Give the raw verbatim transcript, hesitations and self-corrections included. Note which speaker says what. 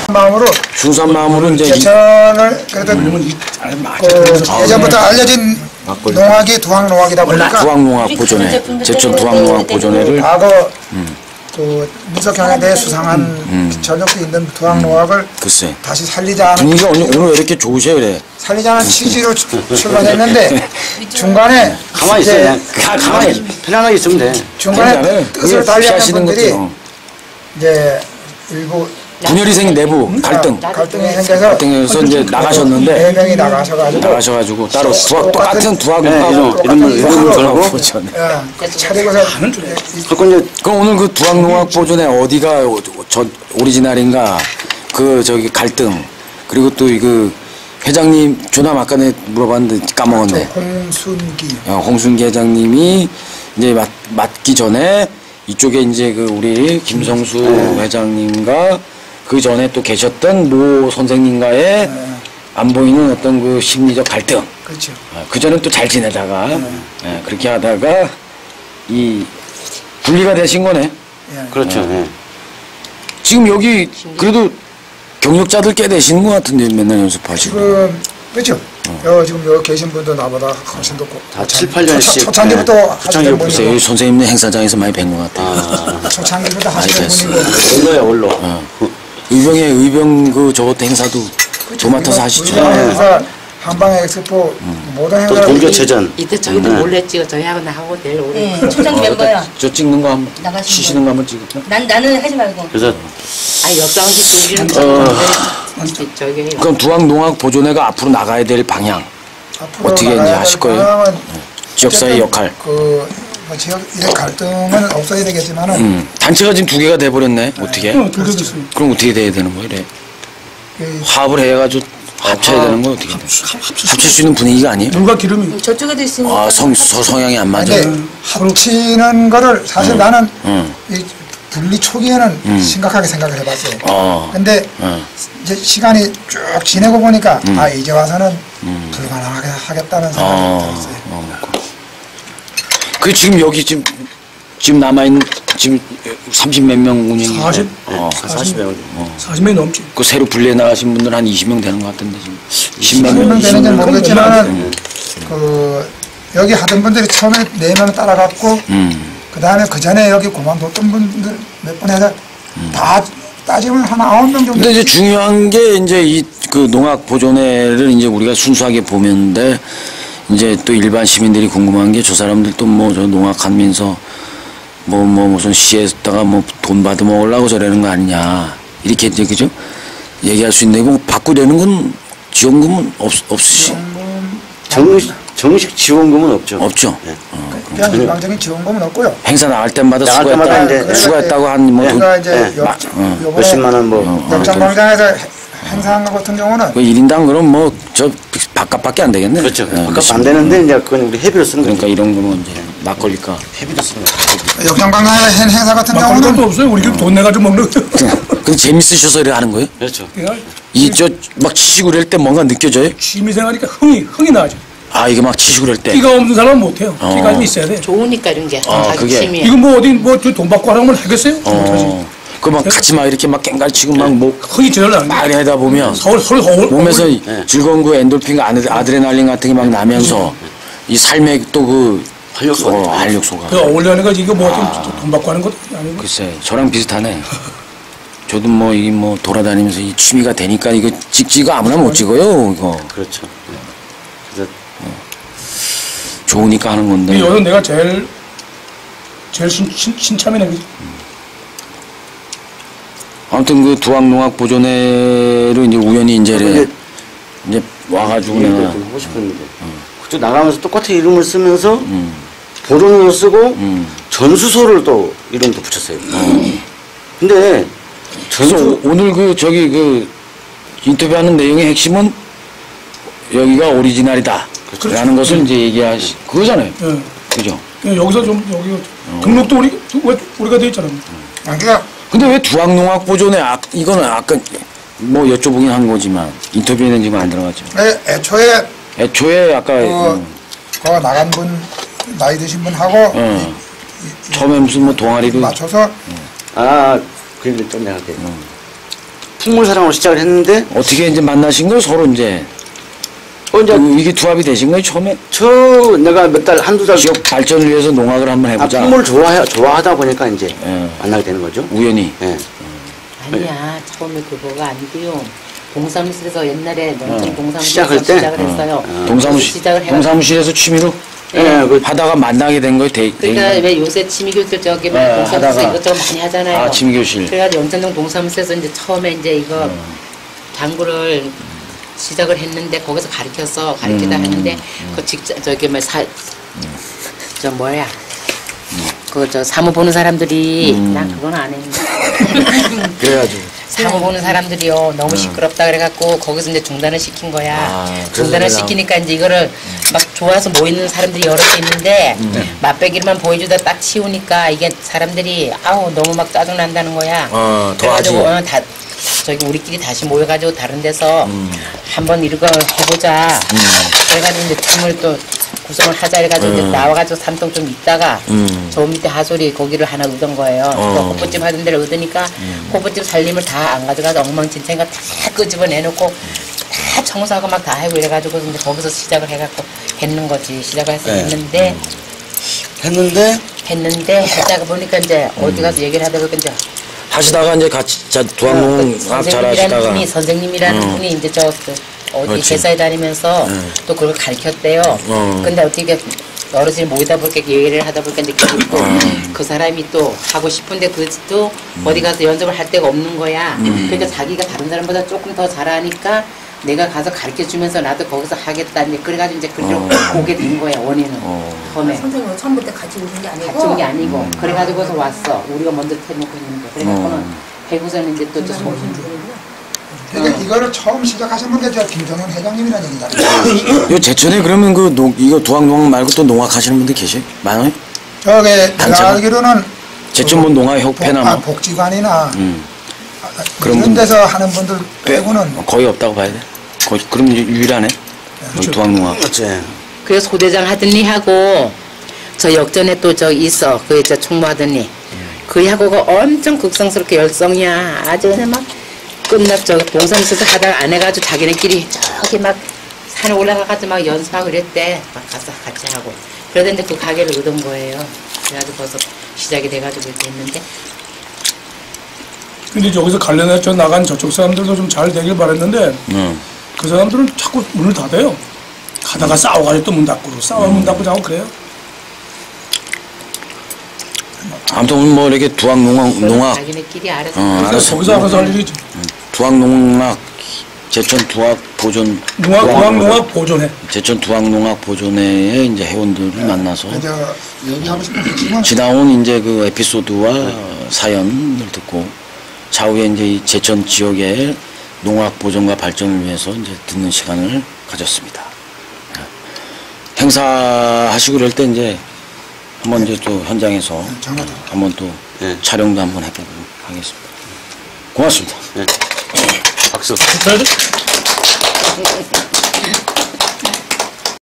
Speaker 1: 마음으로
Speaker 2: 순수한 마음으로 이제
Speaker 1: 제천을 그래도 그 예전부터 알려진 농악이 두항농악이다 보니까
Speaker 2: 두항농악 보존회, 제천 두항농악 보존회를
Speaker 1: 과거 음. 그 민속향에 대해 수상한 음. 전력도 있는 두항농악을 음.
Speaker 2: 글쎄
Speaker 1: 다시 살리자 하는
Speaker 2: 분위기가 오늘, 오늘 왜 이렇게 좋으세요 그래?
Speaker 1: 살리자는 취지로 출발했는데 중간에
Speaker 3: 가만히 있어요. 가, 가만히 편안하게 있으면 돼.
Speaker 1: 중간에 뜻을 달리하는 분들이
Speaker 2: 어.
Speaker 1: 이제 일부
Speaker 2: 분열이 생긴 내부 갈등
Speaker 1: 갈등이 생겨서
Speaker 2: 갈등에서 이제 나가셨는데
Speaker 1: 네 명이 나가셔가지고
Speaker 2: 나가셔가지고 따로 두학 똑같은 두학
Speaker 3: 네, 이런 이름을 이름을 걸고
Speaker 1: 차리고서
Speaker 2: 그럼 오늘 그 두학농악 보존회 어디가 저 오리지널인가 그 저기 갈등 그리고 또 그 회장님 조남 아까 내 물어봤는데 까먹었네.
Speaker 1: 홍순기
Speaker 2: 어, 홍순기 회장님이 이제 맡, 맡기 전에 이쪽에 이제 그 우리 김성수 네. 회장님과 그 전에 또 계셨던 모 선생님과의 네. 안 보이는 어떤 그 심리적 갈등.
Speaker 1: 그렇죠.
Speaker 2: 어, 그 전엔 또 잘 지내다가 네. 예, 그렇게 하다가 이 분리가 되신 거네.
Speaker 1: 네.
Speaker 3: 그렇죠. 네. 네.
Speaker 2: 지금 여기 그래도 경력자들 꽤 되시는 것 같은데 맨날 연습하시고.
Speaker 1: 지금 그렇죠. 어. 여, 지금 여기 계신 분도 나보다 훨씬 더
Speaker 3: 다 칠, 팔 년씩
Speaker 1: 초창기부터
Speaker 3: 네.
Speaker 1: 하시는 분이고
Speaker 2: 여기 선생님네 행사장에서 많이 뵌 것 같아요.
Speaker 1: 아. 초창기부터 하시는 분이고
Speaker 3: 올로야 올로.
Speaker 2: 어. 의병의 의병 그 저것도 행사도 도맡아서 하시죠.
Speaker 1: 행사 한방에 엑스포 음. 모든 행사
Speaker 3: 동교체전
Speaker 4: 이때 저희도 음. 몰래 찍어 저희하고 나하고 내일 오래.
Speaker 5: 네, 초장 멤버야.
Speaker 2: 저 찍는 거 한번 치시는 거 한번 찍을까?
Speaker 5: 난 나는 하지 말고.
Speaker 3: 그래서
Speaker 4: 아 역사원식 우리는
Speaker 2: 어.
Speaker 4: 저기
Speaker 2: 그럼 두학농악 보존회가 앞으로 나가야 될 방향 어떻게 이제 하실 거예요? 지역사회 역할.
Speaker 1: 그 뭐 지역 의 갈등은 없어야 되겠지만은
Speaker 2: 음. 단체가 지금 두 개가 돼 버렸네. 어떻게?
Speaker 1: 어, 두 개 됐습니다.
Speaker 2: 그럼 어떻게 돼야 되는 거예요? 이래?
Speaker 1: 그
Speaker 2: 화합을 해가지고 합쳐야 되는 거 어떻게? 합칠 수 있는 분위기가 아니에요?
Speaker 6: 누가 기름이
Speaker 5: 저쪽에도 있으니까.
Speaker 2: 아, 성, 서, 성향이 안 맞아.
Speaker 1: 근데 합치는 거를 사실
Speaker 2: 음.
Speaker 1: 나는
Speaker 2: 음.
Speaker 1: 이 분리 초기에는
Speaker 2: 음.
Speaker 1: 심각하게 생각을 해봤어요.
Speaker 2: 어.
Speaker 1: 근데
Speaker 2: 어.
Speaker 1: 이제 시간이 쭉 지내고 보니까
Speaker 2: 음.
Speaker 1: 아 이제 와서는
Speaker 2: 음.
Speaker 1: 불가능하게 하겠다는 생각이
Speaker 2: 어.
Speaker 1: 들었어요.
Speaker 2: 어. 그 지금 여기 지금 지금 남아 있는 지금 삼십 몇 명 운영이.
Speaker 6: 사십?
Speaker 2: 어.
Speaker 3: 사십 명.
Speaker 2: 어.
Speaker 6: 사십 명이 넘지.
Speaker 2: 그 새로 분리해 나가신 분들 한 이십 명 되는 것 같은데 지금.
Speaker 1: 십몇 명 되는지 모르겠지만은 그 여기 하던 분들이 처음에 네 명 따라갔고
Speaker 2: 음.
Speaker 1: 그 다음에 그 전에 여기 그만뒀던 분들 몇 분 해서
Speaker 2: 음.
Speaker 1: 다 따지면 한 아홉 명 정도.
Speaker 2: 근데 이제 중요한 게 이제 이 그 농악 보존회를 이제 우리가 순수하게 보면데 이제 또 일반 시민들이 궁금한 게 저 사람들 또 뭐 저 농악하면서 뭐 뭐 무슨 시에다가 뭐 돈 받아 먹으려고 저러는 거 아니냐 이렇게 이제 그죠 얘기할 수 있는데 뭐 받고 되는 건 지원금은 없 없으시
Speaker 3: 정식 정식 지원금은 없죠.
Speaker 2: 없죠.
Speaker 3: 네.
Speaker 2: 어,
Speaker 1: 그냥 일방적인 지원금은 없고요.
Speaker 2: 행사 나갈 때마다
Speaker 3: 나갈
Speaker 2: 수고했다
Speaker 3: 때마다 이제
Speaker 2: 수고했다고 한뭐
Speaker 1: 우리가 이제
Speaker 3: 네.
Speaker 1: 역,
Speaker 2: 어.
Speaker 1: 요번에
Speaker 3: 몇십만 원 뭐.
Speaker 2: 어.
Speaker 1: 역장광장에서 행사한 것 같은 경우는
Speaker 2: 그 일 인당 그럼 뭐 저 바깥밖에 안 되겠네.
Speaker 3: 그렇죠.
Speaker 2: 어,
Speaker 3: 바깥
Speaker 2: 그렇죠.
Speaker 3: 안 되는데 이제 그건 우리 회비로 쓰는 거니까.
Speaker 2: 그러니까 이런 거는 이제 막걸리가
Speaker 3: 회비로 쓰는 거.
Speaker 1: 역장광장에서 한 행사 같은
Speaker 6: 막걸리 것도
Speaker 1: 경우는
Speaker 6: 없어요. 우리 돈 내가지고 먹는 거.
Speaker 2: 근데 재밌으셔서 이래 하는 거예요?
Speaker 3: 그렇죠.
Speaker 2: 이 저 막 치시고 그럴 때 뭔가 느껴져요?
Speaker 6: 취미생활이니까 흥이 흥이 나죠.
Speaker 2: 아 이게 막 치시고 그럴 때.
Speaker 6: 끼가 없는 사람은 못해요.
Speaker 2: 어.
Speaker 6: 끼가 좀 있어야 돼.
Speaker 4: 좋으니까 이런 게
Speaker 2: 아,
Speaker 4: 자기
Speaker 2: 그게.
Speaker 4: 취미에.
Speaker 6: 이거 뭐 어디 뭐 돈 받고 하라면 하겠어요? 못하지.
Speaker 2: 어. 그 막 같이 막 이렇게 막 깽갈 치고 막뭐
Speaker 6: 흥이 제일 안
Speaker 2: 막
Speaker 6: 돼.
Speaker 2: 하다 보면
Speaker 6: 서울 서울 서울
Speaker 2: 몸에서
Speaker 3: 네.
Speaker 2: 즐거운 그 엔돌핀과 아드- 아드레날린 같은 게 막 나면서 이 삶의 또 그
Speaker 3: 활력소가
Speaker 2: 어,
Speaker 3: 있죠.
Speaker 2: 활력소가.
Speaker 6: 그 어울려는 거지. 이거 뭐 돈 받고 하는 것도 아니고.
Speaker 2: 글쎄 저랑 비슷하네. 저도 뭐 이 뭐 돌아다니면서 이 취미가 되니까 이거 찍지가 아무나 못 찍어요 이거.
Speaker 3: 그렇죠. 그래서
Speaker 2: 좋으니까 하는 건데.
Speaker 6: 근데 여기서 내가 제일 제일 신, 신, 신참이네. 그지?
Speaker 2: 아무튼 그 두학농악 보존회로 이제 우연히 이제
Speaker 3: 근데
Speaker 2: 이제 와가지고
Speaker 3: 이거
Speaker 2: 내가
Speaker 3: 좀 하고 싶었는데 그쪽 나가면서 똑같은 이름을 쓰면서
Speaker 2: 음,
Speaker 3: 보존으로 쓰고
Speaker 2: 음.
Speaker 3: 전수소를 또 이름도 붙였어요. 근데
Speaker 2: 그래서
Speaker 3: 전수
Speaker 2: 오- 오늘 그 저기 그 인터뷰하는 내용의 핵심은 여기가 오리지널이다 라는 것을 이제 얘기하시 그거잖아요.
Speaker 6: 예.
Speaker 2: 그죠?
Speaker 6: 그냥 여기서 좀 여기 등록도 우리 왜 우리가 돼 있잖아.
Speaker 1: 아, 그러니까
Speaker 2: 근데 왜 두학농악 보존회 아, 이거는 아까 뭐 여쭤보긴 한 거지만 인터뷰에는 지금 안 들어갔죠.
Speaker 1: 애, 애초에
Speaker 2: 애초에 아까
Speaker 1: 그,
Speaker 2: 음,
Speaker 1: 그 나간 분 나이 드신 분하고
Speaker 2: 어, 처음에 무슨 뭐 동아리를
Speaker 1: 맞춰서
Speaker 3: 아, 그 얘기를 좀 내가 할게. 풍물 사랑으로 시작을 했는데
Speaker 2: 어떻게 이제 만나신 거예요? 서로 이제
Speaker 3: 어 이제
Speaker 2: 그 이게 투합이 되신 거예요? 처음에
Speaker 3: 저 내가 몇 달 한두 달
Speaker 2: 지역 발전을 위해서 농악을 한번
Speaker 3: 아,
Speaker 2: 해보자.
Speaker 3: 풍물 좋아 좋아하다 보니까 이제
Speaker 2: 예.
Speaker 3: 만나게 되는 거죠.
Speaker 2: 우연히.
Speaker 3: 예.
Speaker 4: 아니야 처음에 그거가 아니고요. 동사무실에서 옛날에 농촌
Speaker 2: 어.
Speaker 4: 동사무실에서
Speaker 3: 시작할 때?
Speaker 4: 시작을 했어요.
Speaker 2: 동사무실
Speaker 4: 시작을 해가지고
Speaker 2: 동사무실에서 취미로
Speaker 3: 예, 그
Speaker 2: 하다가 만나게 된 거예요. 대,
Speaker 4: 그러니까
Speaker 2: 대인.
Speaker 4: 왜 요새 취미교실 저기 막
Speaker 2: 네,
Speaker 4: 동사무실
Speaker 2: 하다가.
Speaker 4: 이것저것 많이 하잖아요.
Speaker 2: 아, 취미교실.
Speaker 4: 그래가지고 영천동 동사무실에서 이제 처음에 이제 이거
Speaker 2: 음.
Speaker 4: 당구를 시작을 했는데 거기서 가르쳐서 가르치다
Speaker 2: 음.
Speaker 4: 했는데 그 직장 저기 뭐사저 뭐야 그 저 사무 보는 사람들이
Speaker 2: 음.
Speaker 4: 난 그건 안 했는데
Speaker 2: 그래가지고.
Speaker 4: 사무 보는 사람들이요 너무 시끄럽다 그래갖고 거기서 이제 중단을 시킨 거야.
Speaker 2: 아,
Speaker 4: 중단을
Speaker 2: 그래서
Speaker 4: 시키니까 이제 이거를 막 좋아서 모이는 사람들이 여러 개 있는데 맛배기만 보여주다 딱 치우니까 이게 사람들이 아우 너무 막 짜증 난다는 거야.
Speaker 2: 어, 더
Speaker 4: 그래가지고
Speaker 2: 하지.
Speaker 4: 어, 다 저기 우리끼리 다시 모여가지고 다른 데서 한번 이거 해보자. 그래가지고 이제 팀을 또 구성을 하자 해가지고 이제 나와가지고 삼동 좀 있다가
Speaker 2: 음.
Speaker 4: 저 밑에 하솔이 고기를 하나 얻은 거예요.
Speaker 2: 어.
Speaker 4: 그 호프집 하던 데를 얻으니까 호프집 살림을 다 안 가져가서 엉망진창인가 다 끄집어 내놓고 다 청소하고 막 다 하고 이래가지고 이제 거기서 시작을 해갖고 했는 거지. 시작을 해서
Speaker 2: 네.
Speaker 4: 했는데
Speaker 2: 했는데
Speaker 4: 했는데 하다가 보니까 이제 어디 가서 얘기를 하다 보니까 이제
Speaker 2: 하시다가 이제 같이 자,
Speaker 4: 그
Speaker 2: 두학농악
Speaker 4: 선생님이라는
Speaker 2: 잘하시다가
Speaker 4: 분이 선생님이라는
Speaker 2: 어.
Speaker 4: 분이 이제 저 그 어디
Speaker 2: 그렇지.
Speaker 4: 회사에 다니면서
Speaker 2: 응.
Speaker 4: 또 그걸 가르쳤대요.
Speaker 2: 어.
Speaker 4: 근데 어떻게 어르신이 모이다 보니까 얘기를 하다 보니까 이제 그게 또
Speaker 2: 어.
Speaker 4: 그 사람이 또 하고 싶은데 그것도 어디 가서 연습을 할 데가 없는 거야. 그러니까 자기가 다른 사람보다 조금 더 잘하니까 내가 가서 가르쳐 주면서 나도 거기서 하겠다. 이제 그래가지고 이제 그걸
Speaker 2: 어.
Speaker 4: 오게 된 거야 원인은
Speaker 2: 어.
Speaker 4: 처음에.
Speaker 5: 선생님은 처음부터 같이 오신 게 아니고
Speaker 4: 같이 온 게 아니고 그래가지고서 왔어. 우리가 먼저 해놓고 했는데 그래갖고는 해고서는 이제 또저
Speaker 1: 그러니까 이거를 처음 시작하신 분이 저 김정현 회장님이라는 얘기다.
Speaker 2: 요 제천에 그러면 그 농, 이거 두학농악 말고 또 농악 하시는 분들 계세요? 많아요?
Speaker 1: 저게 내가
Speaker 2: 단체가?
Speaker 1: 알기로는
Speaker 2: 제천 뭐 농악협회나
Speaker 1: 복, 아,
Speaker 2: 뭐
Speaker 1: 복지관이나
Speaker 2: 음.
Speaker 1: 아,
Speaker 2: 그런
Speaker 1: 이런
Speaker 2: 분-
Speaker 1: 데서 하는 분들 빼고는
Speaker 2: 어, 거의 없다고 봐야 돼. 거의 그럼 이제 유일하네. 두학농악.
Speaker 3: 그렇지.
Speaker 4: 그래서 소대장 하더니 하고 저 역전에 또 저 있어 그 저 총무하더니 그 하고가 엄청 극성스럽게 열성이야 아주 그냥 막 끝나 저 동사무소에서 하다가 안 해가지고 자기네끼리 저기 막 산에 올라가가지고 막 연습하고 그랬대 막 가서 같이 하고 그러던데 그 가게를 얻은 거예요. 그래가지고 벌써 시작이 돼가지고 이렇게 했는데
Speaker 6: 근데 저기서 관련해서 나간 저쪽 사람들도 좀 잘 되길 바랬는데
Speaker 2: 응.
Speaker 6: 그 사람들은 자꾸 문을 닫아요. 가다가 싸워가지고 또 문 닫고 싸워 문 닫고 자고 그래요.
Speaker 2: 아무튼 오늘 뭐 이렇게 두학농악 농악
Speaker 4: 자기네끼리 알아서
Speaker 2: 어,
Speaker 6: 그래서
Speaker 2: 알았어.
Speaker 6: 거기서 알아서 할 일이지.
Speaker 2: 두학농악 제천 두학 보존
Speaker 6: 농악
Speaker 2: 두학-
Speaker 6: 농악 농악 보존해.
Speaker 2: 제천 두학농악 보존회의 이제 회원들을 만나서
Speaker 1: 저 얘기하고 싶은 게 지금
Speaker 2: 지나온 이제 그 에피소드와 사연을 듣고 차후에 이제 이 제천 지역의 농악 보존과 발전을 위해서 이제 듣는 시간을 가졌습니다. 행사하시고 그럴 때 이제 한번 이제 또 현장에서
Speaker 1: 전화도
Speaker 2: 한번 또
Speaker 3: 네.
Speaker 2: 촬영도 한번 해보고 하겠습니다. 고맙습니다.
Speaker 3: 박수.
Speaker 6: 그래도